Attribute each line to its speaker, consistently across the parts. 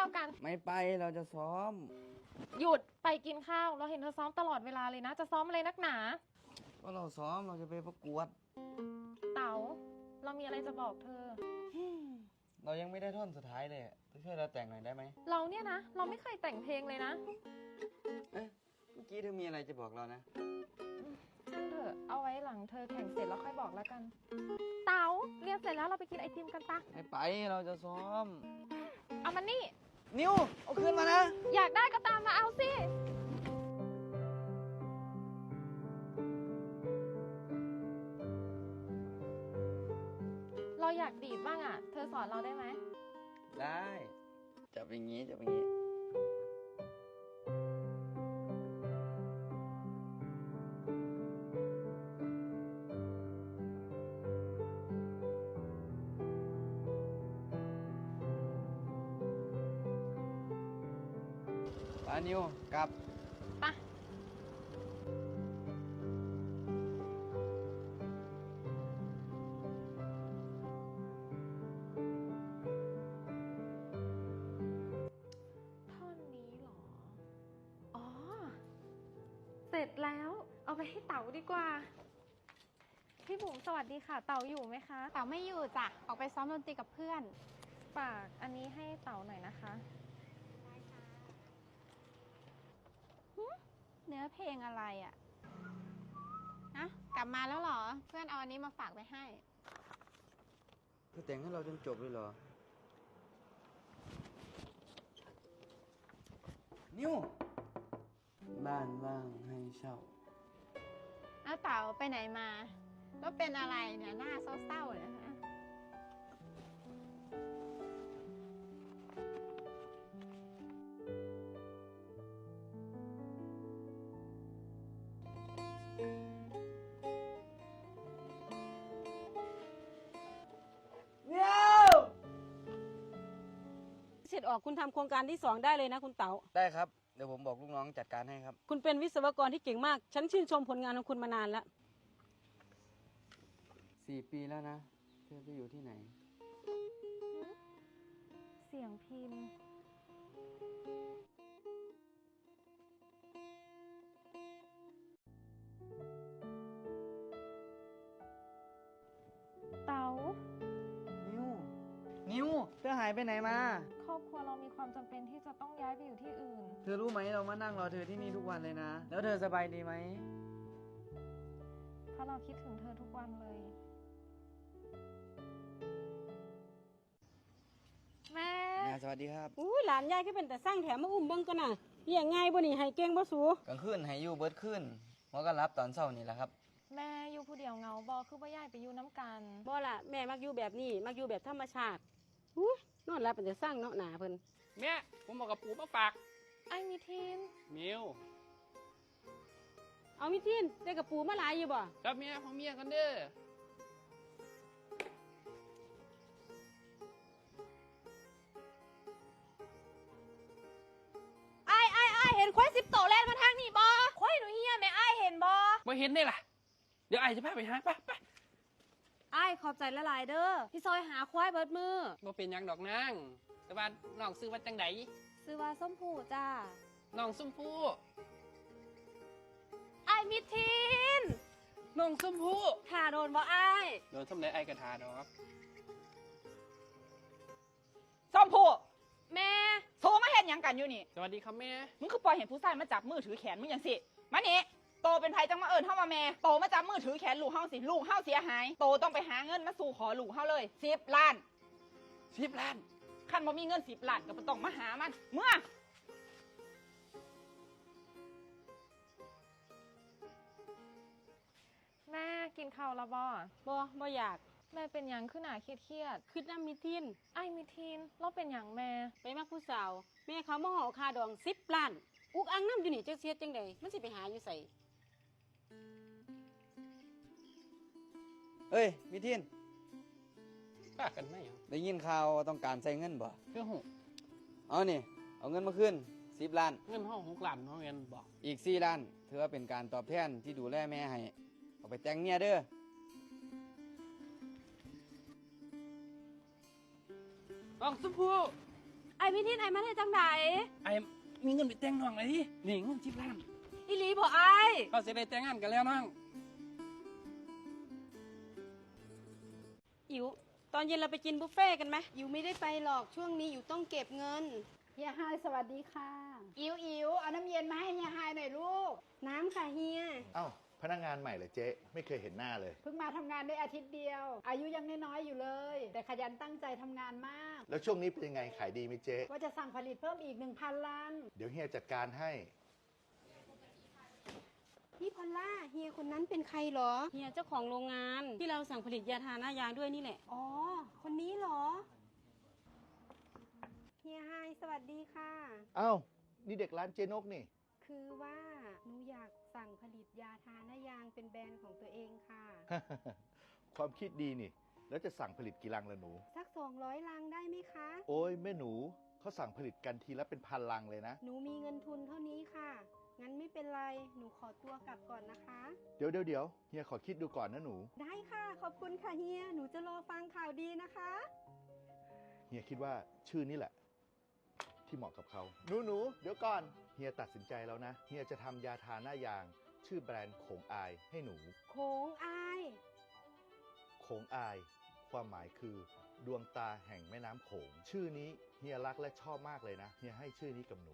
Speaker 1: าวกัน
Speaker 2: ไม่ไปเราจะซ้อม
Speaker 1: หยุดไปกินข้าวเราเห็นเธอซ้อมตลอดเวลาเลยนะจะซ้อมอะไรนักหนา
Speaker 2: ก็เราซ้อมเราจะไปประกวด
Speaker 1: เต๋าเรามีอะไรจะบอกเธอ
Speaker 2: เรายังไม่ได้ท่อนสุดท้ายเลยช่วยเราแต่งหน่อยได้ไหม
Speaker 1: เราเนี่ยนะเราไม่เคยแต่งเพลงเลยนะ
Speaker 2: เอ๊ะเมื่อกี้เธอมีอะไรจะบอกเรานะ
Speaker 1: ช่างเถอะเอาไว้หลังเธอแข่งเสร็จแล้วค่อยบอกแล้วกันเต๋าเรียนเสร็จแล้วเราไปกินไอติมกันปะ
Speaker 2: ไม่ไปเราจะซ้อม
Speaker 1: เอามันนี่
Speaker 2: นิวเอาคืนมานะ
Speaker 1: อยากได้ก็ตามมาเอาสิเราอยากดีดบ้างอ่ะเธอสอนเราได้ไหม
Speaker 2: ได้จับอย่างนี้จับอย่างนี้ปานิวกลับ
Speaker 1: ปะท่อนนี้เหรออ๋อเสร็จแล้วเอาไปให้เต๋าดีกว่าพี่บุ๋มสวัสดีค่ะเต๋าอยู่ไหมคะ
Speaker 3: เต๋าไม่อยู่จ้ะออกไปซ้อมดนตรีกับเพื่อน
Speaker 1: ฝากอันนี้ให้เต๋าหน่อยนะคะ
Speaker 3: เนื้อเพลงอะไรอ่ะนะกลับมาแล้วเหรอเพื่อนเอาอันนี้มาฝากไปให้
Speaker 2: เธอแต่งให้เราจนจบเลยเหรอนิวบ้านว่างให้เช่า
Speaker 3: แล้วเต๋าไปไหนมาแล้วเป็นอะไรเนี่ยหน้าเศร้าๆเนี่ยฮะ
Speaker 4: เสร็จออกคุณทำโครงการที่2ได้เลยนะคุณเต๋า
Speaker 2: ได้ครับเดี๋ยวผมบอกลูกน้องจัดการให้ครับ
Speaker 4: คุณเป็นวิศวกรที่เก่งมากฉันชื่นชมผลงานของคุณมานานแล้ว
Speaker 2: 4 ปีแล้วนะเธอไปอยู่ที่ไหน
Speaker 1: เสียงพิมพ์เต๋า
Speaker 2: นิวเธอหายไปไหนมา
Speaker 1: ครอบครัวเรามีความจำเป็นที่จะต้องย้ายไปอยู่ที่อื่น
Speaker 2: เธอรู้ไหมเรามานั่งรอเธอที่นี่ทุกวันเลยนะแล้วเธอสบายดีไหม
Speaker 1: เพราะเราคิดถึงเธอทุกวันเลยแม่
Speaker 2: สวัสดีครับ
Speaker 4: หลานยายก็เป็นแต่สร้างแถมมาอุ้มเบิ้งกันน่ะเลี้ยงง่ายบ่นี่ให้เก่งบ่สู
Speaker 2: กลางคืนให้อยู่เบิดคืนหัวก็รับตอนเช้านี่แหละครับ
Speaker 1: แม่อยู่ผู้เดียวเงาบอคือบ่ย้ายไปอยู่น้ำกัน
Speaker 4: บ่ล่ะแม่มักอยู่แบบนี้มักอยู่แบบธรรมชาตินอนหลับเป็นแต่สร้างเนาะหนาเพิ่น
Speaker 5: แม่ผมบอกกับปู่มาฝาก
Speaker 1: ไอ้มีทีน
Speaker 5: มิว
Speaker 4: เอามีทินได้กับปูมาหลายอยู่บ่
Speaker 5: กับเมียของเมียกันเด้อ
Speaker 3: ไอ้เห็นควาย10 โตแล่นมาทางนี่บอควายหนูเฮียแม่ไอ้เห็นบอ
Speaker 5: ไม่เห็นได้ล่ะเดี๋ยวไอ้จะพาไปหาไป
Speaker 4: ไอ้ขอบใจละหลายเด้อที่ซอยหาควายเบิดมือ
Speaker 5: บ่เป็นยังดอกนางแต่ว่าน้องซื้อว่าจังได
Speaker 4: ซื้อว่าส้มผูจ้า
Speaker 5: น้องส้มผู้
Speaker 3: ไอ้มิทีน
Speaker 5: น้องส้มผู้
Speaker 3: ถ่าโดนบ่ไอ้
Speaker 5: โดนส้มไหนไอ้กระทาดอก
Speaker 6: ส้มผู้
Speaker 3: แม่
Speaker 6: โทรมาเห็นยังกันอยู่นี่
Speaker 5: สวัสดีครับแม่
Speaker 6: มึงคือปล่อยเห็นผู้ชายมาจับมือถือแขนมึงอย่างสิมานี่โตเป็นไผจังมาเอิญเฮามาแม่โตมาจับมือถือแขนลูกเฮาสิลูกเฮาเสียหายโตต้องไปหาเงินมาสู่ขอลูกเฮาเลย10 ล้าน
Speaker 5: 10 ล้าน
Speaker 6: คันบ่มีเงิน10 ล้านก็บ่ต้องมาหามันเมื่อ
Speaker 1: แม่กินข้าวแล้ว
Speaker 4: บ่อยาก
Speaker 1: แม่เป็นหยังขึ้นหนาเครียด
Speaker 4: คือน้ำมีทิน
Speaker 1: ไอ้มีทีนเราเป็นหยังแม่
Speaker 4: ไปมักผู้สาวแม่เขามาห่อคาดอง10 ล้านอุกอังน้ำอยู่นี่จักเสียจังใดมันสิไปหาอยู่ใส่
Speaker 2: เอ้ยมิทิน
Speaker 5: ฝากกันไหม
Speaker 2: ได้ยินข่าวต้องการใช้เงินบ่
Speaker 5: เพื่อหู
Speaker 2: เอานี่เอาเงินมาขึ้น10 ล้าน
Speaker 5: เงินห้อง6 ล้านห้องเงินบอก
Speaker 2: อีก4 ล้านถือว่าเป็นการตอบแทนที่ดูแลแม่ให้เอาไปแต่งเมียเด้อ
Speaker 5: น้องส้มผู้
Speaker 4: ไอ้พี่ทินไอ้มาได้จังได
Speaker 5: ไอ้มีเงินไปแต่งน้องเลยดินี่เงิน10 ล้าน
Speaker 4: อีหลีบ่ไอ้
Speaker 5: ก็จะได้แต่งงานกันแล้วน้อง
Speaker 4: อิ๋วตอนเย็นเราไปกินบุฟเฟ่ต์กันไหม
Speaker 7: อยู่ไม่ได้ไปหรอกช่วงนี้อยู่ต้องเก็บเงิน
Speaker 3: เฮียไฮสวัสดีค่ะ อิ๋วเอาน้ำเย็นมาให้เฮียไฮหน่อยลูก
Speaker 7: น้ำค่ะเฮีย
Speaker 8: เอ้าพนักงานใหม่เหรอเจ๊ไม่เคยเห็นหน้าเลย
Speaker 3: เพิ่งมาทำงานได้อาทิตย์เดียว อายุยังน้อยๆอยู่เลย แต่ขยันตั้งใจทำงานมาก
Speaker 8: แล้วช่วงนี้เป็นยังไงขายดีไหมเจ๊
Speaker 3: ว่าจะสั่งผลิตเพิ่มอีก 1,000 ลัง
Speaker 8: เดี๋ยวเฮียจัดการให้
Speaker 7: พี่พอลล่าเฮียคนนั้นเป็นใครเหรอ
Speaker 4: เฮียเจ้าของโรงงานที่เราสั่งผลิตยาทาหน้ายางด้วยนี่แหละ
Speaker 7: อ๋อ คนนี้เหรอ เฮียไฮสวัสดีค่ะ
Speaker 8: เอ้านี่เด็กร้านเจนกนี่
Speaker 7: คือว่าหนูอยากสั่งผลิตยาทาหน้ายางเป็นแบรนด์ของตัวเองค่ะ
Speaker 8: ความคิดดีนี่ แล้วจะสั่งผลิตกี่ลังละหนู
Speaker 7: สัก 200 ลังได้ไหมคะ
Speaker 8: โอ้ยแม่หนูเขาสั่งผลิตกันทีละเป็นพันลังเลยนะ
Speaker 7: หนูมีเงินทุนเท่านี้ค่ะ งั้นไม่เป็นไร หนูขอตัวกลับก่อนนะคะ
Speaker 8: เดี๋ยวเฮียขอคิดดูก่อนนะหนู
Speaker 7: ได้ค่ะ ขอบคุณค่ะเฮีย หนูจะรอฟังข่าวดีนะคะ
Speaker 8: เฮียคิดว่าชื่อนี้แหละ ที่เหมาะกับเขาหนูเดี๋ยวก่อนเฮียตัดสินใจแล้วนะเฮียจะทำยาทาหน้ายาง ชื่อแบรนด์โขงอายให้หนู
Speaker 7: โขงอาย
Speaker 8: โขงอาย ความหมายคือดวงตาแห่งแม่น้ำโขง ชื่อนี้เฮียรักและชอบมากเลยนะเฮียให้ชื่อนี้กับหนู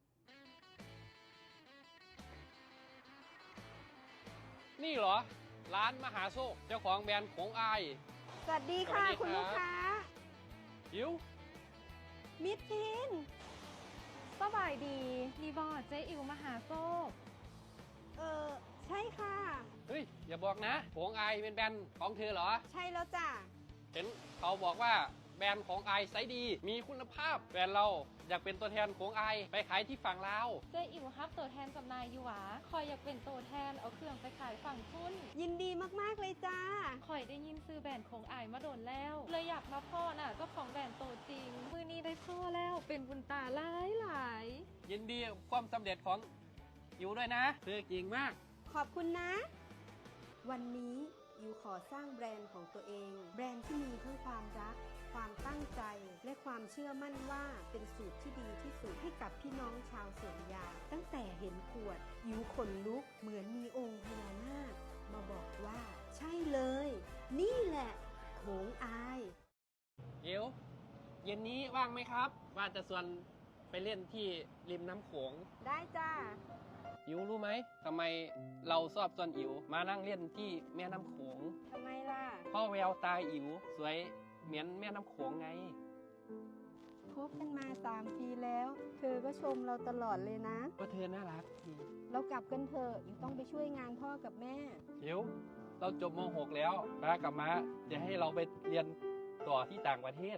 Speaker 5: นี่เหรอ ร้านมหาโชคเจ้าของแบรนด์ของอาย
Speaker 7: สวัสดีค่ะ
Speaker 5: สวัสดีครับ
Speaker 7: คุณลูกค้า
Speaker 5: อิ๋ว
Speaker 7: มิดทิน
Speaker 1: สบายดีรีบอร์ดเจ๊อิ๋วมหาโชค
Speaker 7: ใช่ค่ะ
Speaker 5: เฮ้ยอย่าบอกนะของอายเป็นแบรนด์ของเธอเหรอ
Speaker 7: ใช่แล้วจ้ะ
Speaker 5: เห็นเขาบอกว่าแบรนด์ของอายไซส์ดี มีคุณภาพแบรนด์เราอยากเป็นตัวแทนของอายไปขายที่ฝั่งลาว
Speaker 1: เจ๊อิ๋วฮับตัวแทนจำหนายอยู่หวะคอยอยากเป็นตัวแทนเอาเครื่องไปขายฝั่งทุน
Speaker 7: ยินดีมากๆเลยจ้า
Speaker 1: คอยได้ยินซื้อแบรนด์ของอายมาโดนแล้ว เลยอยากมาพ่อน่ะเจ้าของแบรนด์ตัวจริง มือนี้ได้พ่อแล้วเป็นบุญตาหลาย
Speaker 5: ยินดีกับความสำเร็จของอิ๋วด้วยนะเธอเก่งมาก
Speaker 7: ขอบคุณนะ วันนี้ยูขอสร้างแบรนด์ของตัวเอง แบรนด์ที่มีทั้งความรัก ความตั้งใจ และความเชื่อมั่นว่าเป็นสูตรที่ดีที่สุดให้กับพี่น้องชาวสวนยางตั้งแต่เห็นขวดยูขนลุกเหมือนมีองค์พญานาคมาบอกว่า ใช่เลย นี่แหละโขงอาย
Speaker 5: อิ๋วเย็นนี้ว่างไหมครับ ว่าจะชวนไปเล่นที่ริมน้ำโขง
Speaker 7: ได้จ้า
Speaker 5: อิ๋วรู้ไหมทำไมเราชอบชวนอิ๋วมานั่งเล่นที่แม่น้ำโขง
Speaker 7: ทำไมล่ะ
Speaker 5: เพราะแววตาอิ๋วสวยเหมือนแม่น้ำโขงไง
Speaker 7: คบกันมา3 ปีแล้ว เธอก็ชมเราตลอดเลยนะ
Speaker 5: ก็เธอน่ารักดี
Speaker 7: เรากลับกันเถอะอยู่ต้องไปช่วยงานพ่อกับแม่
Speaker 5: อิ๋วเราจบม .6 แล้วป้ากับม้าจะให้เราไปเรียนต่อที่ต่างประเทศ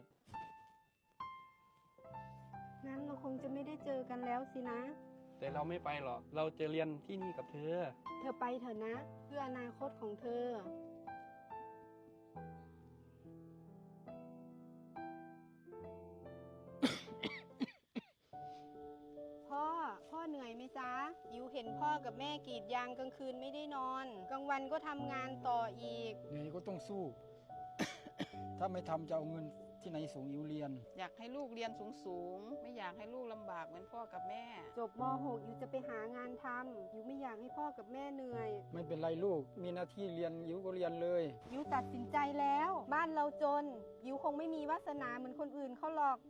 Speaker 7: งั้นเราคงจะไม่ได้เจอกันแล้วสินะ
Speaker 5: แต่เราไม่ไปหรอก เราจะเรียนที่นี่กับเธอ
Speaker 7: เธอไปเถอะนะ เพื่ออนาคตของเธอ พ่อเหนื่อยไหมจ๊ะยูเห็นพ่อกับแม่กรีดยางกลางคืนไม่ได้นอน กลางวันก็ทำงานต่ออีก
Speaker 9: เหนื่อยก็ต้องสู้ ถ้าไม่ทำจะเอาเงินที่ไหนส่งอิวเรียน
Speaker 10: อยากให้ลูกเรียนสูงๆ ไม่อยากให้ลูกลำบากเหมือนพ่อกับแม่
Speaker 7: จบม .6 ยูจะไปหางานทำยูไม่อยากให้พ่อกับแม่เหนื่อย
Speaker 9: ไม่เป็นไรลูก มีหน้าที่เรียนอิวก็เรียนเลย
Speaker 7: ยูตัดสินใจแล้ว บ้านเราจนยูคงไม่มีวาสนาเหมือนคนอื่นเขาหรอก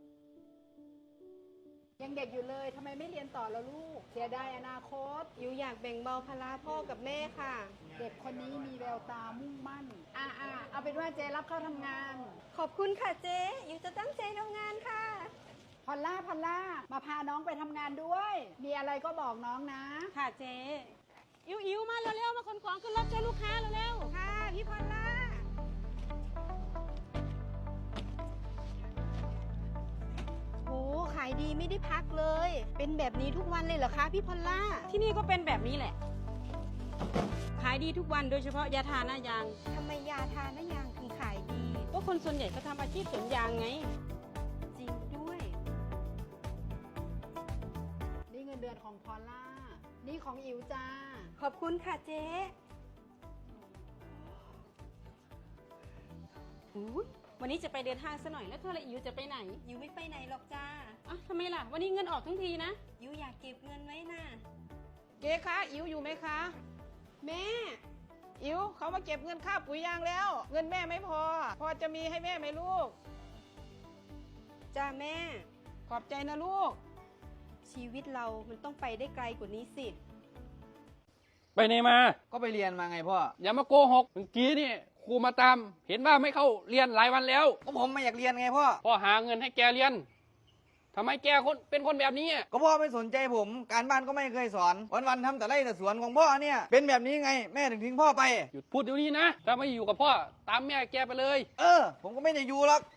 Speaker 3: ยังเด็กอยู่เลยทำไมไม่เรียนต่อแล้วลูก เสียดายอนาคต
Speaker 7: ยูอยากแบ่งเบาภาระพ่อกับแม่ค่ะ
Speaker 3: เด็กคนนี้มีแววตามุ่งมั่น เอาเป็นว่าเจรับเข้าทำงาน
Speaker 7: ขอบคุณค่ะเจ๊ยูจะตั้งใจทำงานค่ะ
Speaker 3: พอลล่า มาพาน้องไปทำงานด้วย มีอะไรก็บอกน้องนะ
Speaker 4: ค่ะเจ๊อิ๋วมาเร็วๆมาขนของขึ้นรถช่วยลูกค้าเร็วๆ
Speaker 7: ค่ะพี่พอลล่าโหขายดีไม่ได้พักเลย เป็นแบบนี้ทุกวันเลยเหรอคะพี่พอลล่า
Speaker 4: ที่นี่ก็เป็นแบบนี้แหละ ขายดีทุกวันโดยเฉพาะยาทาหน้ายาง
Speaker 7: ทำไมยาทาหน้ายางถึงขายดี
Speaker 4: ก็คนส่วนใหญ่ก็ทำอาชีพสวนยางไง
Speaker 7: จริงด้วย
Speaker 3: นี่เงินเดือนของพอลล่า นี่ของอิ๋วจ้า
Speaker 7: ขอบคุณค่ะเจ๊
Speaker 4: วันนี้จะไปเดินห้างซะหน่อยแล้วเธอละอิ๋วจะไปไหน
Speaker 7: ยูไม่ไปไหนหรอกจ้า
Speaker 4: อ่ะมล่ะ วันนี้เงินออกทั้งทีนะ
Speaker 7: ยูอยากเก็บเงินไว้น่ะ
Speaker 10: เจ๊คะอิ๋วอยู่ไหมคะ
Speaker 7: แม่
Speaker 10: อิ๋วเขามาเก็บเงินค่าปุ๋ยยางแล้ว เงินแม่ไม่พอ พอจะมีให้แม่ไหมลูก
Speaker 7: จ้าแม่
Speaker 10: ขอบใจนะลูก
Speaker 7: ชีวิตเรามันต้องไปได้ไกลกว่านี้สิ
Speaker 5: ไปไหนมา
Speaker 2: ก็ไปเรียนมาไงพ่อ
Speaker 5: อย่ามาโกหกเมื่อกี้นี่ครูมาตาม เห็นว่าไม่เข้าเรียนหลายวันแล้ว
Speaker 2: ก็ผมไม่อยากเรียนไงพ่อ
Speaker 5: พ่อหาเงินให้แกเรียนทำไมแกเป็นคนแบบนี้อะ
Speaker 2: ก็พ่อไม่สนใจผม การบ้านก็ไม่เคยสอน วันๆทำแต่ไร่แต่สวนของพ่อเนี่ย เป็นแบบนี้ไง แม่ถึงทิ้งพ่อไป
Speaker 5: หยุดพูดเดี๋ยวนี้นะ ถ้าไม่อยู่กับพ่อตามแม่แกไปเลย
Speaker 2: ผมก็ไม่ได้อยู่หรอก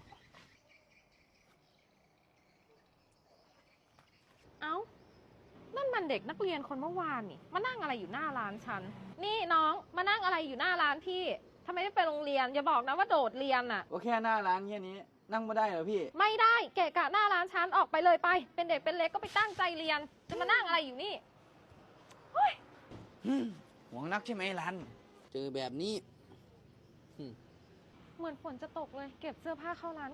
Speaker 1: เอ้า นั่นมันเด็กนักเรียนคนเมื่อวานนี่ มานั่งอะไรอยู่หน้าร้านฉัน นี่น้องมานั่งอะไรอยู่หน้าร้านพี่ทำไมไม่ไปโรงเรียน อย่าบอกนะว่าโดดเรียนน่ะ
Speaker 2: ก็แค่หน้าร้านแค่นี้ นั่งไม่ได้เหรอพี่
Speaker 1: ไม่ได้เกะกะหน้าร้านฉันออกไปเลยไป เป็นเด็กเป็นเล็กก็ไปตั้งใจเรียน จะมานั่งอะไรอยู่นี่
Speaker 2: หวงนักใช่ไหมรัน เจอแบบนี้
Speaker 1: เหมือนฝนจะตกเลย เก็บเสื้อผ้าเข้าร้าน